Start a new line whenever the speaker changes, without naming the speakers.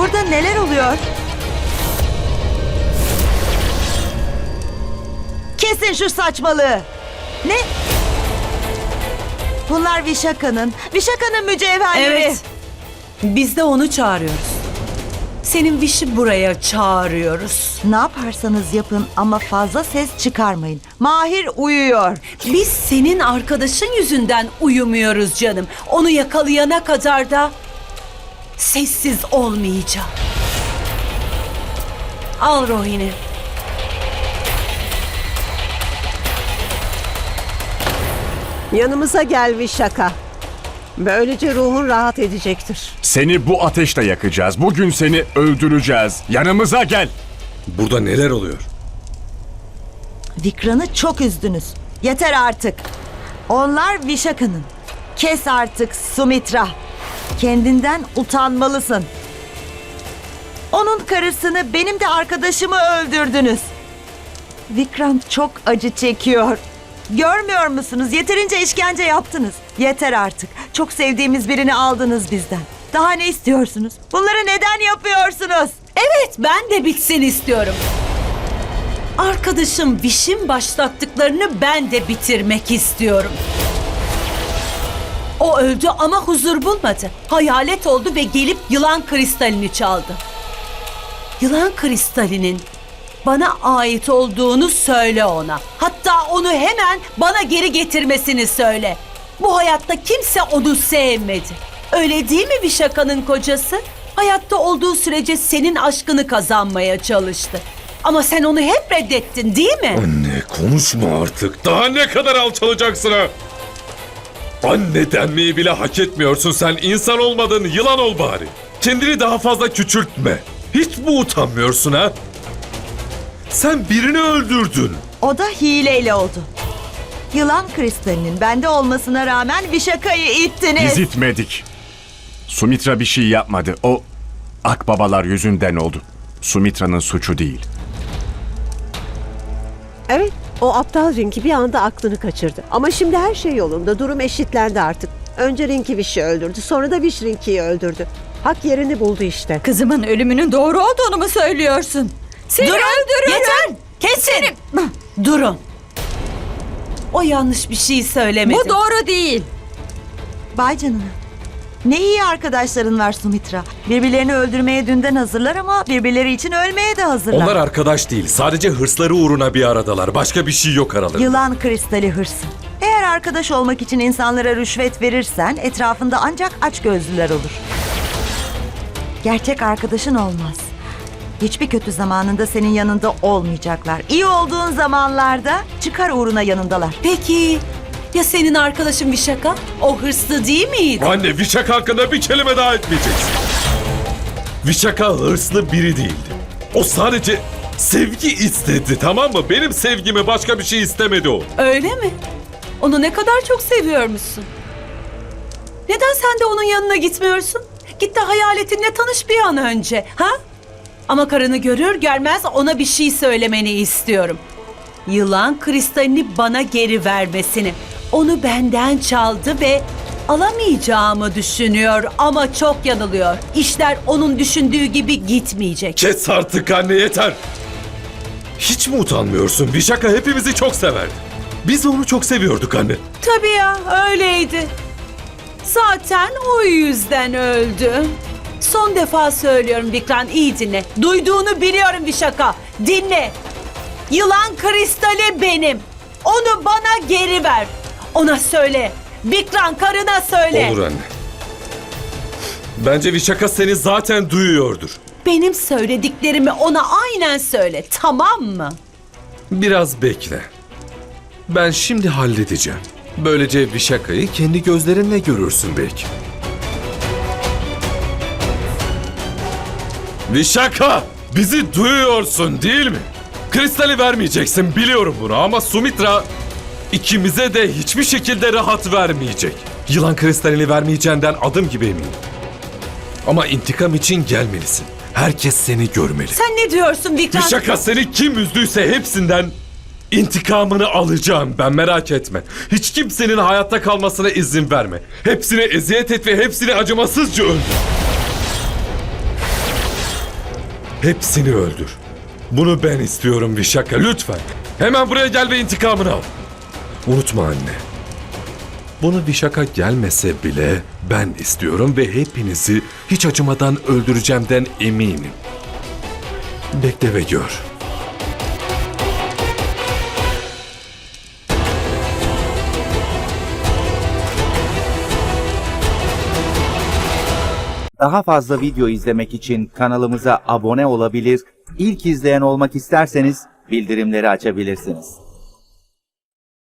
Burada neler oluyor? Kesin şu saçmalığı. Ne? Bunlar Vişaka'nın mücevherleri.
Evet. Biz de onu çağırıyoruz. Senin Viş'i buraya çağırıyoruz.
Ne yaparsanız yapın ama fazla ses çıkarmayın. Mahir uyuyor.
Biz senin arkadaşın yüzünden uyumuyoruz canım. Onu yakalayana kadar da sessiz olmayacağım. Al Rohini.
Yanımıza gel Vişaka. Böylece ruhun rahat edecektir.
Seni bu ateşle yakacağız. Bugün seni öldüreceğiz. Yanımıza gel.
Burada neler oluyor?
Vikran'ı çok üzdünüz. Yeter artık. Onlar Vişaka'nın. Kes artık Sumitra. Kendinden utanmalısın. Onun karısını, benim de arkadaşımı öldürdünüz. Vikran çok acı çekiyor. Görmüyor musunuz? Yeterince işkence yaptınız. Yeter artık. Çok sevdiğimiz birini aldınız bizden. Daha ne istiyorsunuz? Bunları neden yapıyorsunuz?
Evet, ben de bitsin istiyorum. Arkadaşım Viş'in başlattıklarını ben de bitirmek istiyorum. O öldü ama huzur bulmadı. Hayalet oldu ve gelip yılan kristalini çaldı. Yılan kristalinin bana ait olduğunu söyle ona. Hatta onu hemen bana geri getirmesini söyle. Bu hayatta kimse onu sevmedi. Öyle değil mi Vişaka'nın kocası? Hayatta olduğu sürece senin aşkını kazanmaya çalıştı. Ama sen onu hep reddettin değil mi?
Anne konuşma artık. Daha ne kadar alçalacaksın ha? Anne denmeyi bile hak etmiyorsun sen. İnsan olmadın, yılan ol bari. Kendini daha fazla küçültme. Hiç mi utanmıyorsun ha? Sen birini öldürdün.
O da hileyle oldu. Yılan kristalinin bende olmasına rağmen Vişaka'yı ittiniz.
Biz itmedik. Sumitra bir şey yapmadı. O akbabalar yüzünden oldu. Sumitra'nın suçu değil.
Evet, o aptal Rinki bir anda aklını kaçırdı. Ama şimdi her şey yolunda, durum eşitlendi artık. Önce Rinki Viş'i öldürdü, sonra da Viş Rinki'yi öldürdü. Hak yerini buldu işte.
Kızımın ölümünün doğru olduğunu mu söylüyorsun? Seni
Durun!
öldürürüm.
Yeter! Kesin! Durun! O yanlış bir şey söylemedi.
Bu doğru değil.
Vay canına. Ne iyi arkadaşların var Sumitra. Birbirlerini öldürmeye dünden hazırlar ama birbirleri için ölmeye de hazırlar.
Onlar arkadaş değil. Sadece hırsları uğruna bir aradalar. Başka bir şey yok aralarında.
Yılan kristali hırsı. Eğer arkadaş olmak için insanlara rüşvet verirsen etrafında ancak açgözlüler olur. Gerçek arkadaşın olmaz. Hiçbir kötü zamanında senin yanında olmayacaklar. İyi olduğun zamanlarda çıkar uğruna yanındalar.
Peki ya senin arkadaşın Vişaka? O hırslı değil miydi?
Anne Vişaka hakkında bir kelime daha etmeyeceksin. Vişaka hırslı biri değildi. O sadece sevgi istedi, tamam mı? Benim sevgimi, başka bir şey istemedi o.
Öyle mi? Onu ne kadar çok seviyormuşsun. Neden sen de onun yanına gitmiyorsun? Git de hayaletinle tanış bir an önce, ha? Ama karını görür görmez ona bir şey söylemeni istiyorum. Yılan kristalini bana geri vermesini. Onu benden çaldı ve alamayacağımı düşünüyor ama çok yanılıyor. İşler onun düşündüğü gibi gitmeyecek.
Kes artık anne, yeter. Hiç mi utanmıyorsun? Vişaka hepimizi çok severdi. Biz onu çok seviyorduk anne.
Tabii ya, öyleydi. Zaten o yüzden öldü. Son defa söylüyorum Vikran, iyi dinle. Duyduğunu biliyorum Vişaka. Dinle. Yılan kristali benim. Onu bana geri ver. Ona söyle. Vikran, karına söyle.
Olur anne. Bence Vişaka seni zaten duyuyordur.
Benim söylediklerimi ona aynen söyle, tamam mı?
Biraz bekle. Ben şimdi halledeceğim. Böylece Vişaka'yı kendi gözlerinle görürsün belki. Vişaka! Bizi duyuyorsun değil mi? Kristali vermeyeceksin, biliyorum bunu, ama Sumitra ikimize de hiçbir şekilde rahat vermeyecek. Yılan kristalini vermeyeceğinden adım gibi eminim. Ama intikam için gelmelisin. Herkes seni görmeli.
Sen ne diyorsun Vikran?
Vişaka, seni kim üzdüyse hepsinden intikamını alacağım ben, merak etme. Hiç kimsenin hayatta kalmasına izin verme. Hepsine eziyet et ve hepsini acımasızca öldür. Hepsini öldür. Bunu ben istiyorum Vişaka, lütfen. Hemen buraya gel ve intikamını al. Unutma anne. Bunu Vişaka gelmese bile ben istiyorum ve hepinizi hiç acımadan öldüreceğimden eminim. Bekle ve gör.
Daha fazla video izlemek için kanalımıza abone olabilir, ilk izleyen olmak isterseniz bildirimleri açabilirsiniz.